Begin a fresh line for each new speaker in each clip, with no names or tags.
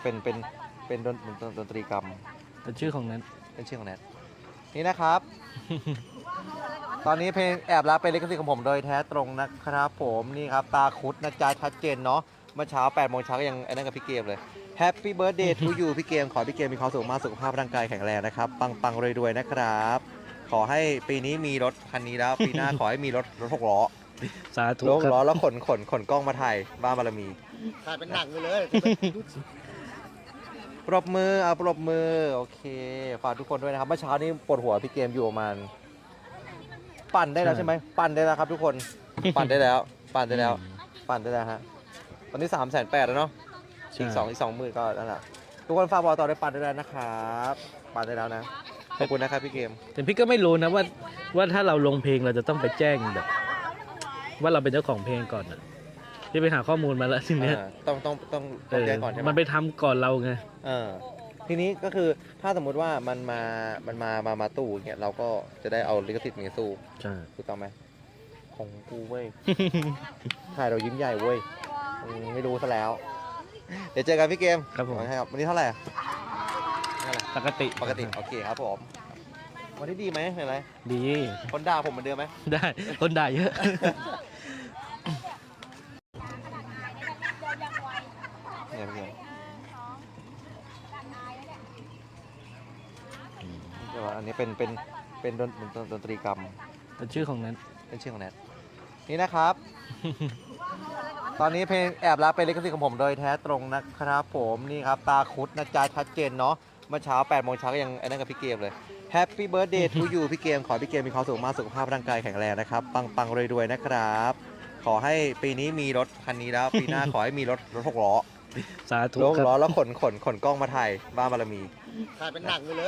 นี้เป็นดนตรีกรรม
เป็นชื่อของนั้น
เป็นชื่อของแนทนี่นะครับ ตอนนี้เพลงแอบรักเป็นลิขสิทธิ์ของผมโดยแท้ตรงนะครับผมนี่ครับตาคุดนะจ๊ะชัดเจนเนาะเมื่อเช้า8 โมงเช้าก็ยังไอ้นั่นกับพี่เกมเลย Happy Birthday to you พี่เกมขอพี่เกมมีความสุขมากสุขภาพร่างกายแข็งแรงนะครับปังรวยๆนะครับขอให้ปีนี้มีรถคันนี้แล้วปีหน้า ขอให้มีรถ6 ล้อ
สาธุ
รถ
ค
ล้อ
รับ
แล้วขนกล้องมาถ่ายบ้านบารมี
ถ่ายเป็นหนังไปเลย
ปรบมือเอาปรบมือโอเคฝากทุกคนด้วยนะครับเมื่อเช้านี้ปวดหัวพี่เกมอยู่ประมาณปั่นได้แล้วใช่ไหมปั่นได้แล้วครับทุกคนปั่นได้แล้วปั่นได้แล้วปั่นได้แล้วฮะตอนนี้380,000แล้วเนาะอีก20,000ก็นั่นแหละทุกคนฝากบอกต่อได้ปั่นได้แล้วนะครับปั่นได้แล้วนะขอบคุณนะครับพี่เกม
แต่พี่ก็ไม่รู้นะว่าถ้าเราลงเพลงเราจะต้องไปแจ้งแบบ ว่าเราเป็นเจ้าของเพลงก่อนอ่ะพี่ไปหาข้อมูลมาแล้วทีเนี้ย
ต้องแจ้งก่อนใช่ไหม
มันไปทำก่อนเราไง
ทีนี้ก็คือถ้าสมมุติว่ามันมาตู้อย่างเงี้ยเราก็จะได้เอาลิขสิทธิ์มาสู้
ใช่
ถูกต้องไหมของกูเว้ย ถ่ายเรายิ้มใหญ่เว้ยไม่รู้ซะแล้ว เดี๋ยวเจอกันพี่เกม
ครับผม
ครับวันนี้เท่าไหร่อะ
ปกติ
ปกติโอเคครับผมวันนี้ดีไหมเห็นไหม
ดี
คนด่าผมเหมือนเดิมไหม
ได้คนด่าเยอะ
เนี่ยพี่เกมเดี๋ยวอันนี้เป็นดนตรีกรรม
เป็นชื่อของนั้น
เป็นชื่อของแนทนี่นะครับ ตอนนี้เพลงแอบรักเป็นลิขสิทธิ์ของผมโดยแท้ตรงนะครับผมนี่ครับตาคุดนะจ๊ะชัดเจนเนาะเมื่อเช้า8 โมงเช้าก็ยังไอ้นั่นกับพี่เกมเลย Happy Birthday to you พี่เกมขอพี่เกมมีความสุขมากสุขภาพร่างกายแข็งแรงนะครับปังรวยๆนะครับขอให้ปีนี้มีรถคันนี้แล้วปีหน้า ขอให้มีรถ6 ล้อ
สาธุ
รถ
ค
6 ล้อ
รับ
แล้วขนกล้องมาถ่ายบ้านบารมี
ถ่ายเป็นหนังไปเลย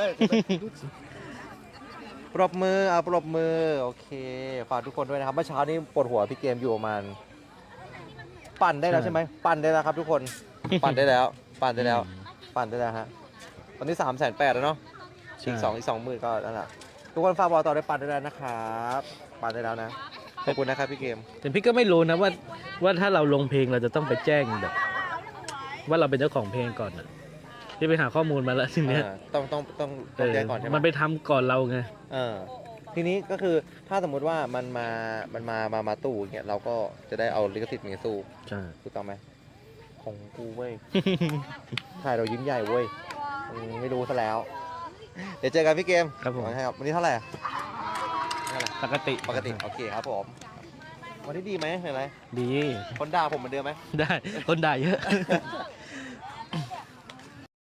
ปรบมือเอาปรบมือโอเคฝากทุกคนด้วยนะครับเมื่อเช้านี้ปวดหัวพี่เกมอยู่ประมาณปั่นได้แล้วใช่ไหมปั่นได้แล้วครับทุกคนปั่นได้แล้วปั่นได้แล้วปั่นได้แล้วฮะตอนนี้380,000แล้วเนาะอีก20,000ก็นั่นแหละทุกคนฝากบอกต่อได้ปั่นได้แล้วนะครับปั่นได้แล้วนะขอบคุณนะครับพี่เกม
แต่พี่ก็ไม่รู้นะว่าถ้าเราลงเพลงเราจะต้องไปแจ้งแบบ ว่าเราเป็นเจ้าของเพลงก่อนอ่ะพี่ไปหาข้อมูลมาแล้วทีเนี้ย
ต้องแจ้งก่อนใช่ไหม
มันไปทำก่อนเราไง
ทีนี้ก็คือถ้าสมมุติว่ามันมาตู้อย่างเงี้ยเราก็จะได้เอาลิขสิทธิ์มาสู้
ใช่
ถูกต้องไหมของกูเว้ย ถ่ายเรายิ้มใหญ่เว้ยไม่รู้ซะแล้ว เดี๋ยวเจอกันพี่เกม
ครับผม
ครับวันนี้เท่าไหร่อะ
ปกติ
ปกติโอเคครับผมวันนี้ดีไหมเห็นไหม
ดี
คนด่าผมเหมือนเดิมไหม
ได้คนด่าเยอะ